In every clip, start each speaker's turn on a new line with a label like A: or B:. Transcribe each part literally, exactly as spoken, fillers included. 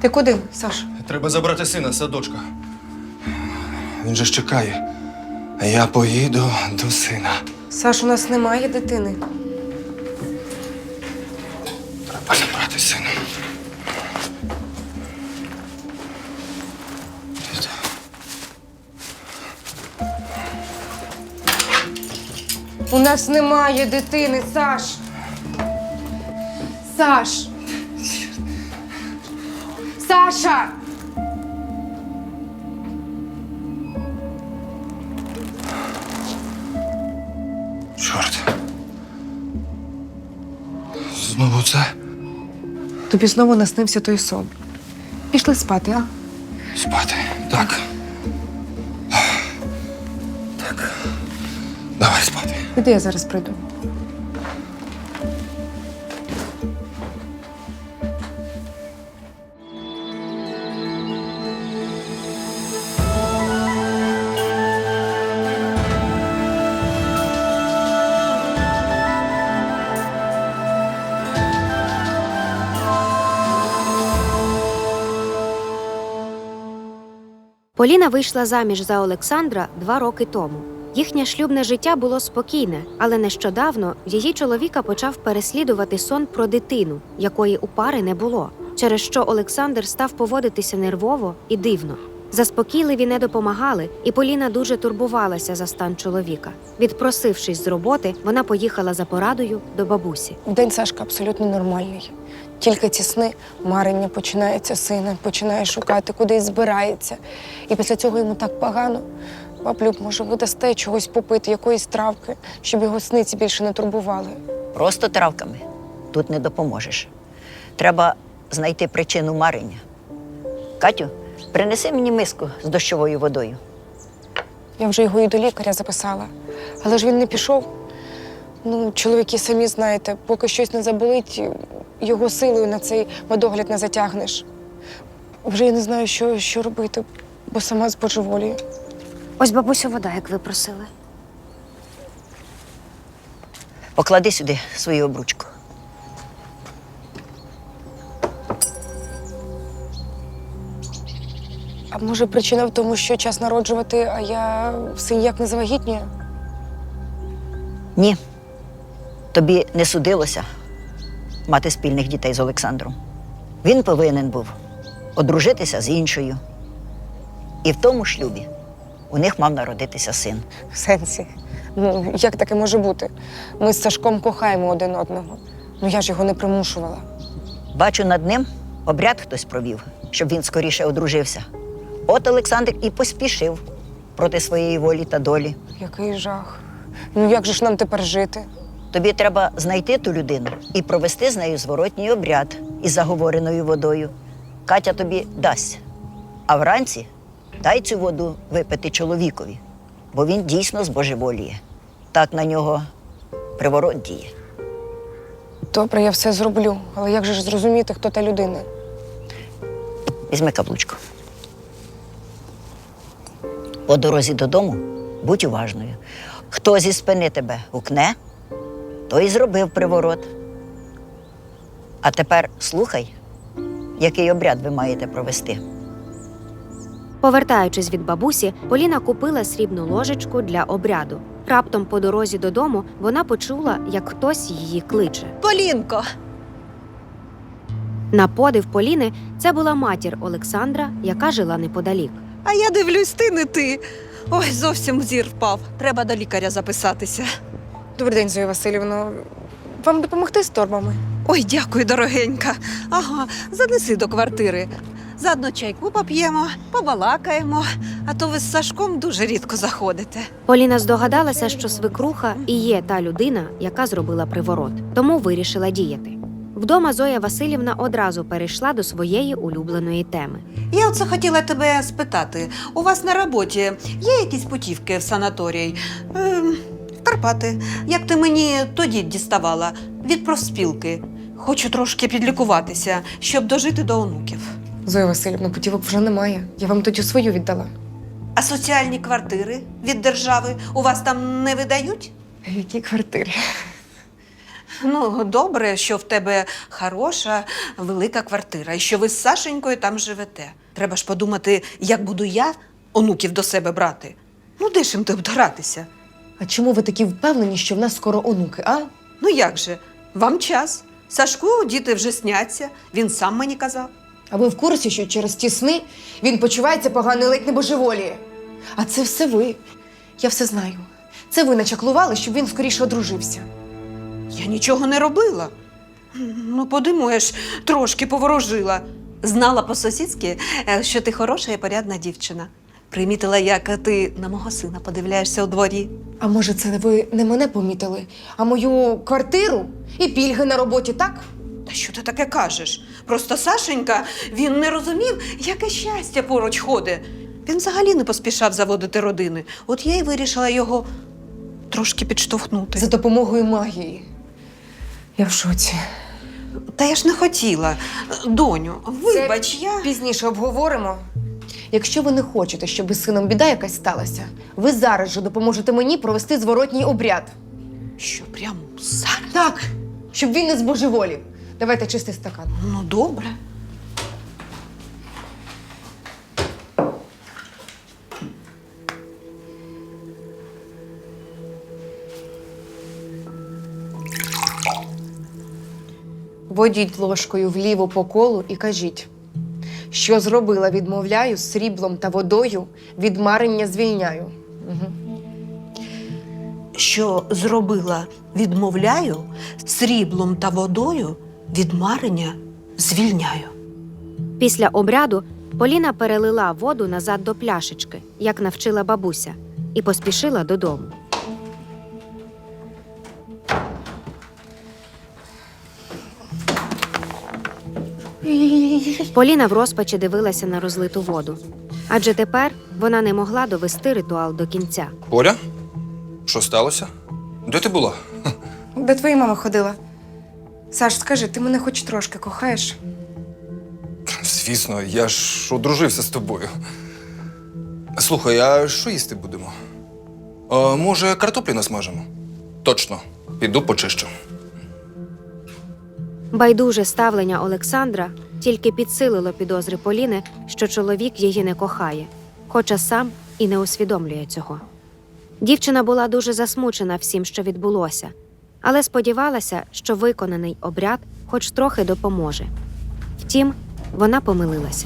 A: Ти куди, Саш?
B: Треба забрати сина з садочка. Він же ж чекає. А я поїду до сина.
A: Саш, у нас немає дитини.
B: Треба забрати сина.
A: У нас немає дитини, Саш. Саш. Саша!
B: Чорт. Знову це?
A: Тобі знову наснився той сон. Пішли спати, а?
B: Спати. Так. Так. Давай спати.
A: Іди, я зараз прийду.
C: Поліна вийшла заміж за Олександра два роки тому. Їхнє шлюбне життя було спокійне, але нещодавно її чоловіка почав переслідувати сон про дитину, якої у пари не було, через що Олександр став поводитися нервово і дивно. Заспокійливі не допомагали, і Поліна дуже турбувалася за стан чоловіка. Відпросившись з роботи, вона поїхала за порадою до бабусі.
A: День Сашка абсолютно нормальний. Тільки ці сни, марення починається сина, починає шукати, кудись збирається. І після цього йому так погано. Баблюб, може, ви дасте чогось попити, якоїсь травки, щоб його сниці більше не турбували.
D: Просто травками тут не допоможеш. Треба знайти причину марення. Катю, принеси мені миску з дощовою водою.
A: Я вже його і до лікаря записала. Але ж він не пішов. Ну, чоловіки самі знаєте, поки щось не заболить, його силою на цей медогляд не затягнеш. Вже я не знаю, що, що робити, бо сама збожеволію.
C: Ось бабусю вода, як ви просили.
D: Поклади сюди свою обручку.
A: А може причина в тому, що час народжувати, а я все ніяк не завагітнюю?
D: Ні, тобі не судилося мати спільних дітей з Олександром. Він повинен був одружитися з іншою. І в тому шлюбі у них мав народитися син.
A: В сенсі? Ну, як таке може бути? Ми з Сашком кохаємо один одного. Ну, я ж його не примушувала.
D: Бачу, над ним обряд хтось провів, щоб він скоріше одружився. От Олександр і поспішив проти своєї волі та долі.
A: Який жах. Ну, як же ж нам тепер жити?
D: Тобі треба знайти ту людину і провести з нею зворотній обряд із заговореною водою. Катя тобі дасть. А вранці дай цю воду випити чоловікові, бо він дійсно збожеволіє. Так на нього приворот діє.
A: Добре, я все зроблю. Але як же ж зрозуміти, хто та людина?
D: Візьми каблучку. По дорозі додому будь уважною. Хто зі спини тебе гукне, той і зробив приворот. А тепер слухай, який обряд ви маєте провести.
C: Повертаючись від бабусі, Поліна купила срібну ложечку для обряду. Раптом по дорозі додому вона почула, як хтось її кличе.
E: Полінко!
C: На подив Поліни це була матір Олександра, яка жила неподалік.
E: А я дивлюсь, ти не ти. Ой, зовсім зір впав. Треба до лікаря записатися.
A: Добрий день, Зоя Васильівна. Вам допомогти з торбами?
E: Ой, дякую, дорогенька. Ага, занеси до квартири. Заодно чайку поп'ємо, побалакаємо, а то ви з Сашком дуже рідко заходите.
C: Поліна здогадалася, що свекруха і є та людина, яка зробила приворот, тому вирішила діяти. Вдома Зоя Васильівна одразу перейшла до своєї улюбленої теми.
E: Я оце хотіла тебе спитати. У вас на роботі є якісь путівки в санаторій? Ем, в Карпати. Як ти мені тоді діставала? Від профспілки. Хочу трошки підлікуватися, щоб дожити до онуків.
A: Зоя Васильівна, путівок вже немає. Я вам тоді свою віддала.
E: А соціальні квартири від держави у вас там не видають?
A: Які квартири?
E: Ну, добре, що в тебе хороша, велика квартира і що ви з Сашенькою там живете. Треба ж подумати, як буду я онуків до себе брати. Ну, де ж їм тут гратися?
A: А чому ви такі впевнені, що в нас скоро онуки, а?
E: Ну як же? Вам час. Сашку діти вже сняться, він сам мені казав.
A: А ви в курсі, що через ті сни він почувається погано і ледь не божеволіє? А це все ви. Я все знаю. Це ви начаклували, щоб він скоріше одружився.
E: Я нічого не робила. Ну, подумаєш, трошки поворожила. Знала по-сусідськи, е, що ти хороша і порядна дівчина. Примітила, як ти на мого сина подивляєшся у дворі.
A: А може, це ви не мене помітили, а мою квартиру і пільги на роботі, так?
E: Та що ти таке кажеш? Просто Сашенька, він не розумів, яке щастя поруч ходить. Він взагалі не поспішав заводити родини. От я й вирішила його трошки підштовхнути.
A: За допомогою магії. Я в шоці.
E: Та я ж не хотіла. Доню, вибач,
A: Це
E: я…
A: пізніше обговоримо. Якщо ви не хочете, щоб із сином біда якась сталася, ви зараз же допоможете мені провести зворотній обряд.
E: Що, прямо зараз?
A: Так, щоб він не збожеволів. Давайте чистий стакан.
E: Ну, добре.
A: Водіть ложкою вліво по колу і кажіть, що зробила, відмовляю, сріблом та водою, від марення звільняю. Угу.
E: Що зробила, відмовляю, сріблом та водою від марення звільняю.
C: Після обряду Поліна перелила воду назад до пляшечки, як навчила бабуся, і поспішила додому. Поліна в розпачі дивилася на розлиту воду. Адже тепер вона не могла довести ритуал до кінця.
B: Поля? Що сталося? Де ти була?
A: Де твоя мама ходила? Саш, скажи, ти мене хоч трошки кохаєш?
B: Звісно, я ж одружився з тобою. Слухай, а що їсти будемо? А, може, картоплі насмажимо? Точно. Піду почищу.
C: Байдуже ставлення Олександра тільки підсилило підозри Поліни, що чоловік її не кохає, хоча сам і не усвідомлює цього. Дівчина була дуже засмучена всім, що відбулося, але сподівалася, що виконаний обряд хоч трохи допоможе. Втім, вона помилилася.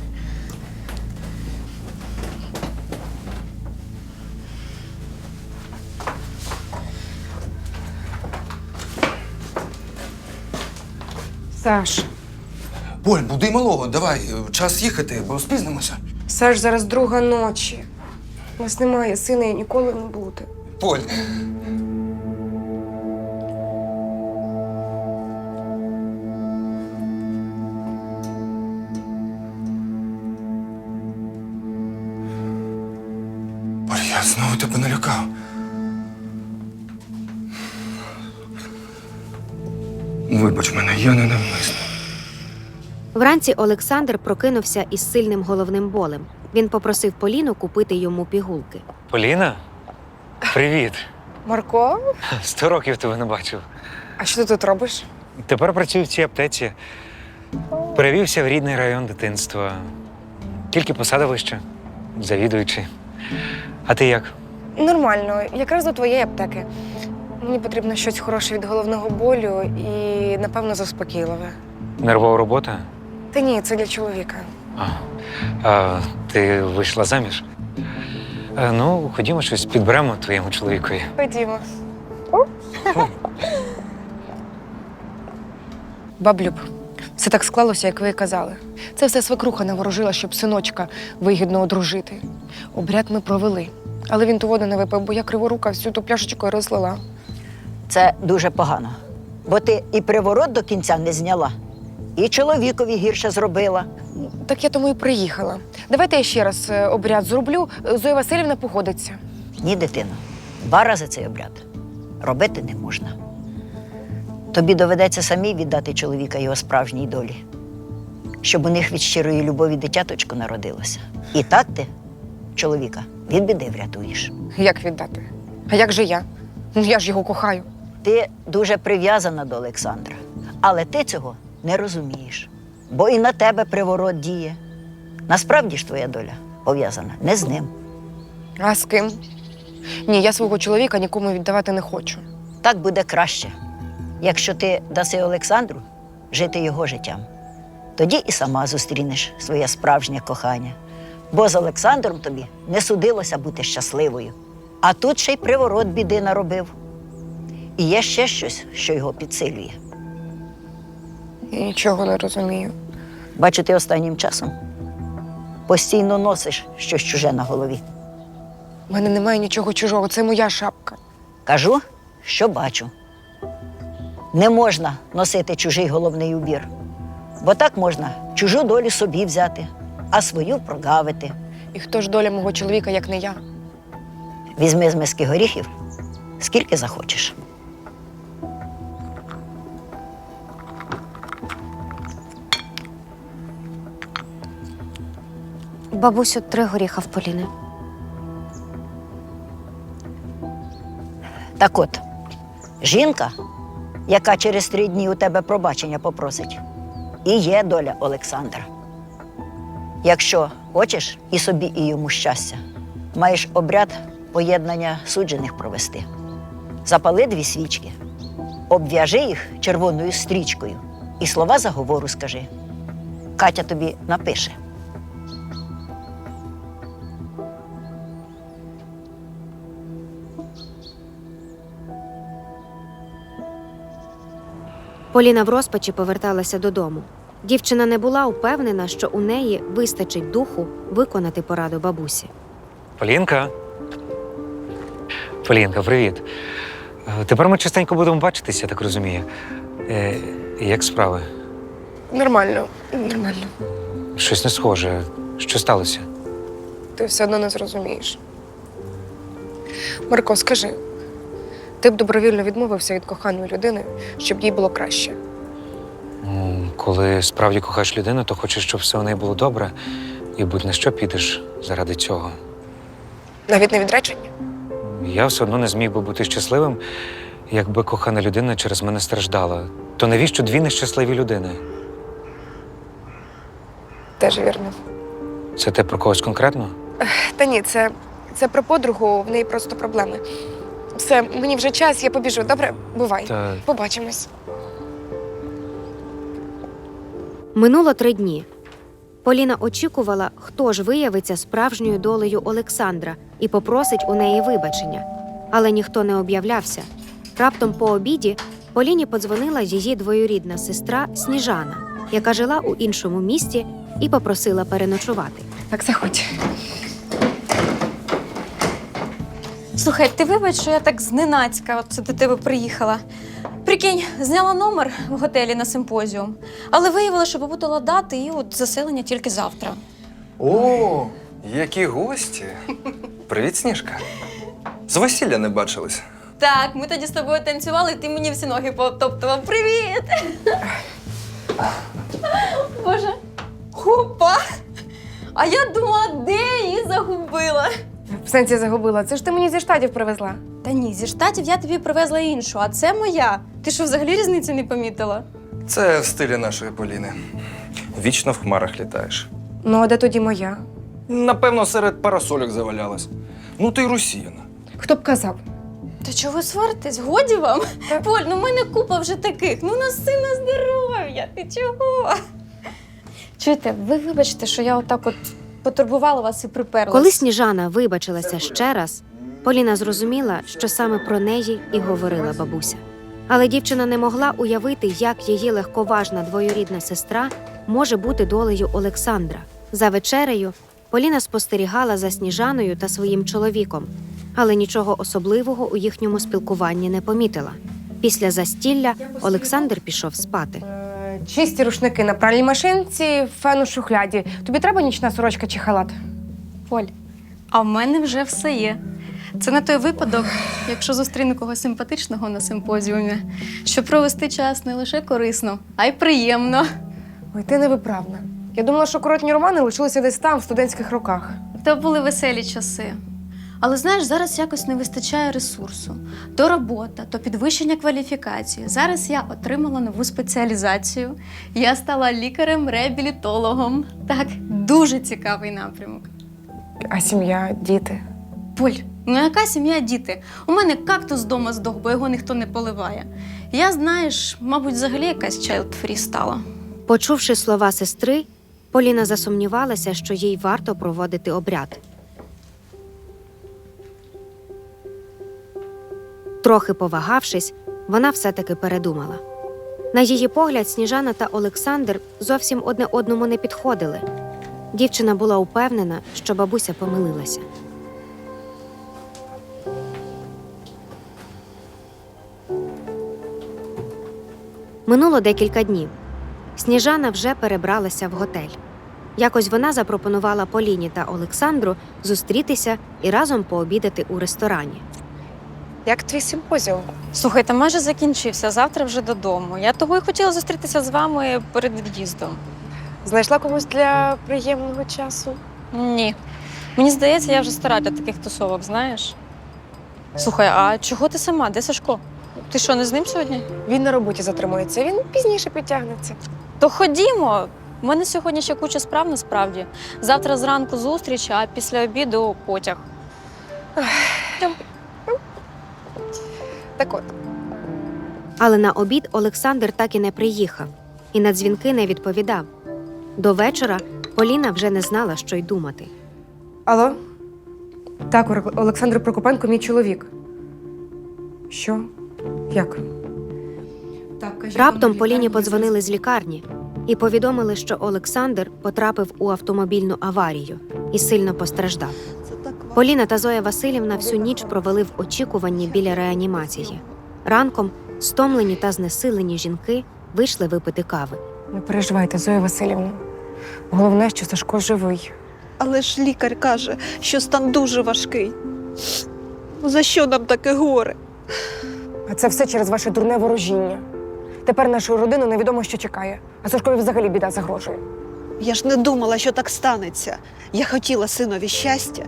A: Саш,
B: Поль, буди малого, давай, час їхати, бо спізнимося.
A: Саш, зараз друга ночі. У нас немає сина і ніколи не буде.
B: Поль. Поль, я знову тебе налякав. Вибач мене, я не навмисно.
C: Вранці Олександр прокинувся із сильним головним болем. Він попросив Поліну купити йому пігулки.
F: Поліна? Привіт.
A: Марко,
F: Сто років тебе не бачив.
A: а що ти тут робиш?
F: Тепер працюю в цій аптеці. Перевівся в рідний район дитинства. Тільки посада вища, завідуючий. А ти як?
A: Нормально, якраз до твоєї аптеки. Мені потрібно щось хороше від головного болю і, напевно, заспокійливе.
F: Нервова робота?
A: Та ні, це для чоловіка.
F: А, а ти вийшла заміж? А, ну, ходімо щось підберемо твоєму чоловікові.
A: Ходімо. Баблюб, все так склалося, як ви і казали. Це все свекруха наворожила, щоб синочка вигідно одружити. Обряд ми провели. Але він ту воду не випив, бо я криворука всю ту пляшечку і розлила.
D: Це дуже погано. Бо ти і приворот до кінця не зняла, і чоловікові гірше зробила.
A: Так я тому і приїхала. Давайте я ще раз е, обряд зроблю. Зоя Васильівна погодиться.
D: Ні, дитино, два рази цей обряд робити не можна. Тобі доведеться самій віддати чоловіка його справжній долі, щоб у них від щирої любові дитяточко народилося. І так ти чоловіка від біди врятуєш.
A: Як віддати? А як же я? Ну я ж його кохаю.
D: Ти дуже прив'язана до Олександра, але ти цього не розумієш, бо і на тебе приворот діє. Насправді ж твоя доля пов'язана не з ним.
A: А з ким? Ні, я свого чоловіка нікому віддавати не хочу.
D: Так буде краще, якщо ти даси Олександру жити його життям. Тоді і сама зустрінеш своє справжнє кохання. Бо з Олександром тобі не судилося бути щасливою. А тут ще й приворот біди наробив. І є ще щось, що його підсилює.
A: Я нічого не розумію.
D: Бачу, ти останнім часом постійно носиш щось чуже на голові.
A: У мене немає нічого чужого, це моя шапка.
D: Кажу, що бачу. Не можна носити чужий головний убір, бо так можна чужу долю собі взяти, а свою прогавити.
A: І хто ж доля мого чоловіка, як не я?
D: Візьми з миски горіхів, скільки захочеш.
C: Бабусю, три горіха в Поліни.
D: Так от, жінка, яка через три дні у тебе пробачення попросить, і є доля Олександра. Якщо хочеш і собі, і йому щастя, маєш обряд поєднання суджених провести. Запали дві свічки, обв'яжи їх червоною стрічкою і слова заговору скажи. Катя тобі напише.
C: Поліна в розпачі поверталася додому. Дівчина не була упевнена, що у неї вистачить духу виконати пораду бабусі.
F: Полінка. Полінка, привіт. Е, Тепер ми частенько будемо бачитися, я так розумію. Е, як справи?
A: Нормально, нормально.
F: Щось не схоже. Що сталося?
A: Ти все одно не зрозумієш. Марко, скажи, ти б добровільно відмовився від коханої людини, щоб їй було краще?
F: Ну, коли справді кохаєш людину, то хочеш, щоб все у неї було добре, і будь на що підеш заради цього.
A: Навіть не відречення?
F: Я все одно не зміг би бути щасливим, якби кохана людина через мене страждала. То навіщо дві нещасливі людини?
A: Теж вірно.
F: Це ти про когось конкретно?
A: Та ні, це, це про подругу, в неї просто проблеми. Все, мені вже час, я побіжу. Добре? Бувай.
F: Та
A: Побачимось.
C: Минуло три дні. Поліна очікувала, хто ж виявиться справжньою долею Олександра і попросить у неї вибачення. Але ніхто не об'являвся. Раптом по обіді Поліні подзвонила її двоюрідна сестра Сніжана, яка жила у іншому місті і попросила переночувати.
A: Так, заходь.
G: Слухай, ти вибач, що я так зненацька от це до тебе приїхала. Прикинь, зняла номер в готелі на симпозіум, але виявила, що побутила дати і от заселення тільки завтра.
B: О, які гості. Привіт, Сніжка. З весілля не бачились.
G: Так, ми тоді з тобою танцювали, і ти мені всі ноги потоптував. Привіт! Боже, хопа! А я думала, де я її загубила.
A: В сенсі загубила. Це ж ти мені зі Штатів привезла.
G: Та ні, зі Штатів я тобі привезла іншу, а це моя. Ти що, взагалі різниці не помітила?
B: Це в стилі нашої Поліни. Вічно в хмарах літаєш.
A: Ну, а де тоді моя?
B: Напевно, серед парасольок завалялась. Ну ти й росіяна.
A: Хто б казав?
G: Та чого ви сваритесь? Годі вам? Поль, ну в мене купа вже таких. Ну носи на здоров'я. Ти чого? Чуєте, ви вибачте, що я отак от потурбувала вас і приперлась.
C: Коли Сніжана вибачилася ще раз, Поліна зрозуміла, що саме про неї і говорила бабуся. Але дівчина не могла уявити, як її легковажна двоюрідна сестра може бути долею Олександра. За вечерею Поліна спостерігала за Сніжаною та своїм чоловіком, але нічого особливого у їхньому спілкуванні не помітила. Після застілля Олександр пішов спати.
A: Чисті рушники на пральній машинці, фен у шухляді. Тобі треба нічна сорочка чи халат?
G: Поль, а в мене вже все є. Це на той випадок, якщо зустріну когось симпатичного на симпозіумі, щоб провести час не лише корисно, а й приємно.
A: Ой, ти невиправна. Я думала, що коротні романи лишилися десь там, в студентських роках.
G: То були веселі часи. Але знаєш, зараз якось не вистачає ресурсу. То робота, то підвищення кваліфікації. Зараз я отримала нову спеціалізацію. Я стала лікарем-реабілітологом. Так, дуже цікавий напрямок.
A: А сім'я, діти.
G: Поль, ну яка сім'я, діти? У мене кактус вдома здох, бо його ніхто не поливає. Я, знаєш, мабуть, взагалі якась child-free стала.
C: Почувши слова сестри, Поліна засумнівалася, що їй варто проводити обряд. Трохи повагавшись, вона все-таки передумала. На її погляд, Сніжана та Олександр зовсім одне одному не підходили. Дівчина була упевнена, що бабуся помилилася. Минуло декілька днів. Сніжана вже перебралася в готель. Якось вона запропонувала Поліні та Олександру зустрітися і разом пообідати у ресторані.
A: Як твій симпозіум?
G: Слухайте, майже закінчився, завтра вже додому. Я того і хотіла зустрітися з вами перед від'їздом.
A: Знайшла когось для приємного часу?
G: Ні. Мені здається, я вже стара для таких тусовок, знаєш? Слухай, а чого ти сама? Де Сашко? Ти що, не з ним сьогодні?
A: Він на роботі затримується, він пізніше підтягнеться.
G: То ходімо. У мене сьогодні ще куча справ насправді. Завтра зранку зустріч, а після обіду потяг.
A: Так от,
C: Але на обід Олександр так і не приїхав, і на дзвінки не відповідав. До вечора Поліна вже не знала, що й думати.
A: алло? Так, Ор- Олександр Прокопенко, мій чоловік. Що? Як?
C: Раптом Поліні подзвонили з лікарні і повідомили, що Олександр потрапив у автомобільну аварію і сильно постраждав. Поліна та Зоя Василівна всю ніч провели в очікуванні біля реанімації. Ранком стомлені та знесилені жінки вийшли випити кави.
A: Не переживайте, Зоя Василівна. Головне, що Сашко живий.
H: Але ж лікар каже, що стан дуже важкий. Ну, за що нам таке горе?
A: А це все через ваше дурне ворожіння. Тепер нашу родину невідомо, що чекає. А Сашкові взагалі біда загрожує.
H: Я ж не думала, що так станеться. Я хотіла синові щастя.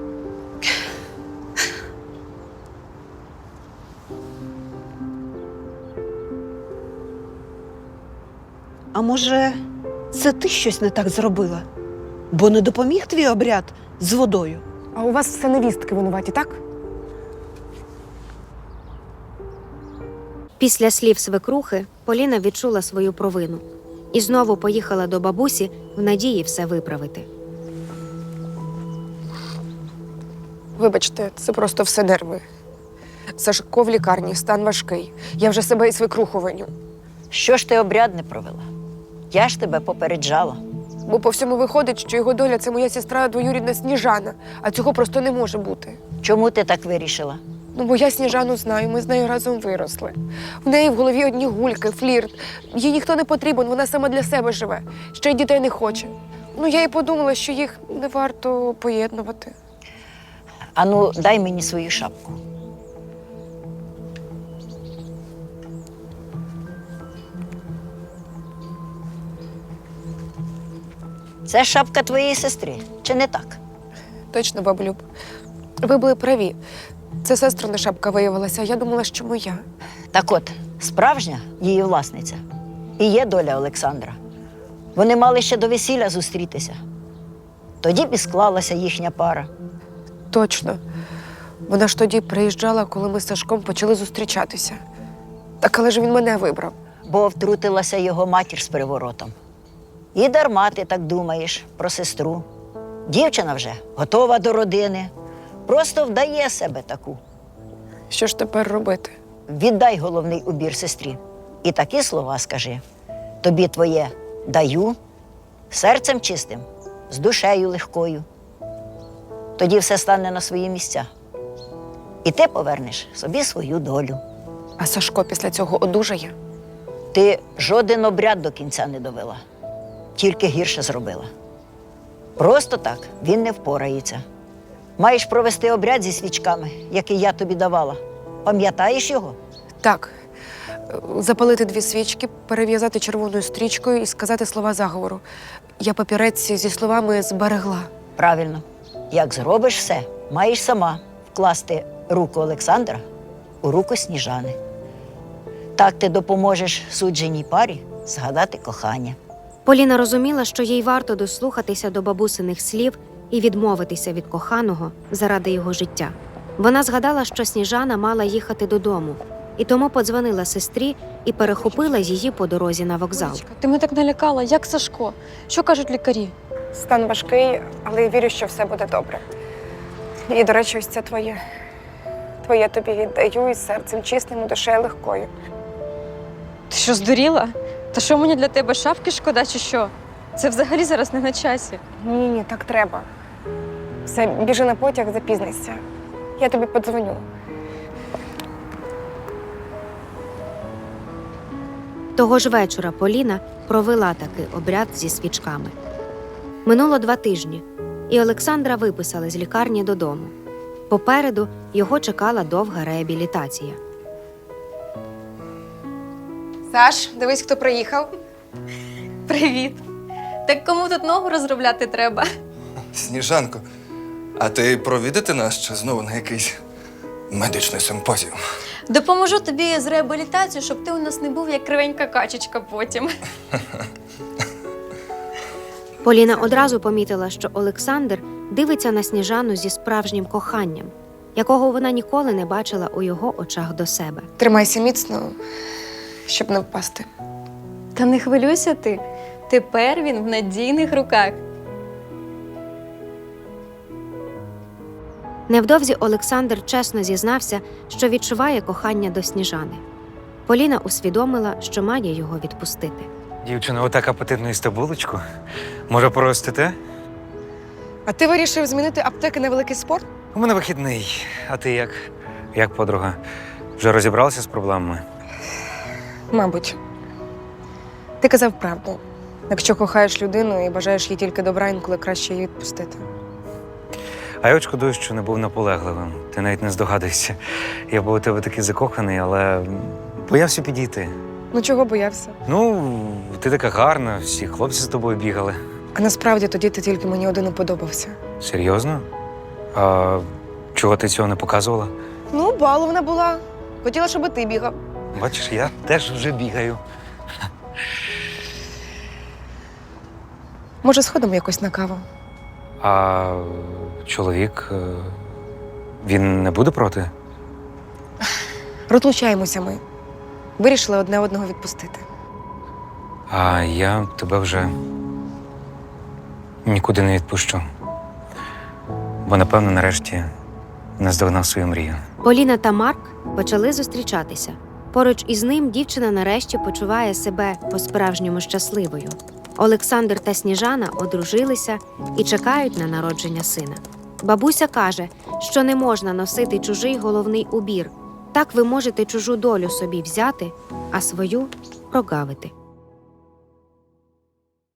H: А може, це ти щось не так зробила? Бо не допоміг твій обряд з водою?
A: А у вас все невістки винуваті, так?
C: Після слів свекрухи Поліна відчула свою провину і знову поїхала до бабусі в надії все виправити.
A: Вибачте, це просто все нерви. Сашко в лікарні, стан важкий. Я вже себе і свекруху виню.
D: Що ж ти обряд не провела? Я ж тебе попереджала.
A: Бо по всьому виходить, що його доля – це моя сестра двоюрідна Сніжана, а цього просто не може бути.
D: Чому ти так вирішила?
A: Ну, бо я Сніжану знаю, ми з нею разом виросли. В неї в голові одні гульки, флірт. Їй ніхто не потрібен, вона сама для себе живе. Ще й дітей не хоче. Ну, я і подумала, що їх не варто поєднувати.
D: Ану, дай мені свою шапку. Це шапка твоєї сестри, чи не так?
A: Точно, баблюб. Ви були праві. Це сестрина шапка виявилася, а я думала, що моя.
D: Так от, справжня її власниця і є доля Олександра. Вони мали ще до весілля зустрітися. Тоді б і склалася їхня пара.
A: Точно. Вона ж тоді приїжджала, коли ми з Сашком почали зустрічатися. Так, але ж він мене вибрав.
D: Бо втрутилася його матір з приворотом. І дарма ти так думаєш про сестру. Дівчина вже готова до родини, просто вдає себе таку.
A: Що ж тепер робити?
D: Віддай головний убір сестрі. І такі слова скажи. Тобі твоє даю, серцем чистим, з душею легкою. Тоді все стане на свої місця. І ти повернеш собі свою долю.
A: А Сашко після цього одужає?
D: Ти жоден обряд до кінця не довела, тільки гірше зробила. Просто так він не впорається. Маєш провести обряд зі свічками, який я тобі давала. Пам'ятаєш його?
A: Так. Запалити дві свічки, перев'язати червоною стрічкою і сказати слова заговору. Я папірець зі словами зберегла.
D: Правильно. Як зробиш все, маєш сама вкласти руку Олександра у руку Сніжани. Так ти допоможеш судженій парі згадати кохання.
C: Поліна розуміла, що їй варто дослухатися до бабусиних слів і відмовитися від коханого заради його життя. Вона згадала, що Сніжана мала їхати додому, і тому подзвонила сестрі і перехопила її по дорозі на вокзал.
G: Олечка, ти мене так налякала, як Сашко. Що кажуть лікарі?
A: Стан важкий, але я вірю, що все буде добре. І, до речі, ось це твоє. Твоє тобі віддаю із серцем чистим і душею легкою.
G: Ти що, здуріла? Та що мені для тебе шапки шкода чи що? Це взагалі зараз не на часі.
A: Ні, ні, так треба. Все, біжи на потяг, запізнися. Я тобі подзвоню.
C: Того ж вечора Поліна провела такий обряд зі свічками. Минуло два тижні, і Олександра виписали з лікарні додому. Попереду його чекала довга реабілітація.
A: Саш, дивись, хто приїхав.
G: Привіт. Так кому тут ногу розробляти треба?
B: Сніжанко, а ти провідати нас чи знову на якийсь медичний симпозіум?
G: Допоможу тобі з реабілітацією, щоб ти у нас не був як кривенька качечка потім.
C: Поліна одразу помітила, що Олександр дивиться на Сніжану зі справжнім коханням, якого вона ніколи не бачила у його очах до себе.
A: Тримайся міцно, щоб не впасти.
G: Та не хвилюйся ти. Тепер він в надійних руках.
C: Невдовзі Олександр чесно зізнався, що відчуває кохання до Сніжани. Поліна усвідомила, що має його відпустити.
F: Дівчино, отак апетитну їсти булочку. Може, простите?
A: А ти вирішив змінити аптеки на великий спорт?
F: У мене вихідний. А ти як? Як подруга? Вже розібралася з проблемами?
A: Мабуть. Ти казав правду. Якщо кохаєш людину і бажаєш їй тільки добра, інколи краще її відпустити.
F: А я от шкодую, що не був наполегливим. Ти навіть не здогадуєшся. Я був у тебе такий закоханий, але боявся підійти.
A: Ну чого боявся?
F: Ну, ти така гарна, всі хлопці з тобою бігали.
A: А насправді тоді ти тільки мені один і подобався.
F: Серйозно? А чого ти цього не показувала?
A: Ну, баловна була. Хотіла, щоб і ти бігав.
F: Бачиш, я теж вже бігаю.
A: Може, сходимо якось на каву?
F: А чоловік, е, він не буде проти?
A: Розлучаємося ми. Вирішили одне одного відпустити.
F: А я тебе вже нікуди не відпущу. Бо, напевно, нарешті наздогнав свою мрію.
C: Поліна та Марк почали зустрічатися. Поруч із ним дівчина нарешті почуває себе по-справжньому щасливою. Олександр та Сніжана одружилися і чекають на народження сина. Бабуся каже, що не можна носити чужий головний убір. Так ви можете чужу долю собі взяти, а свою прогавити.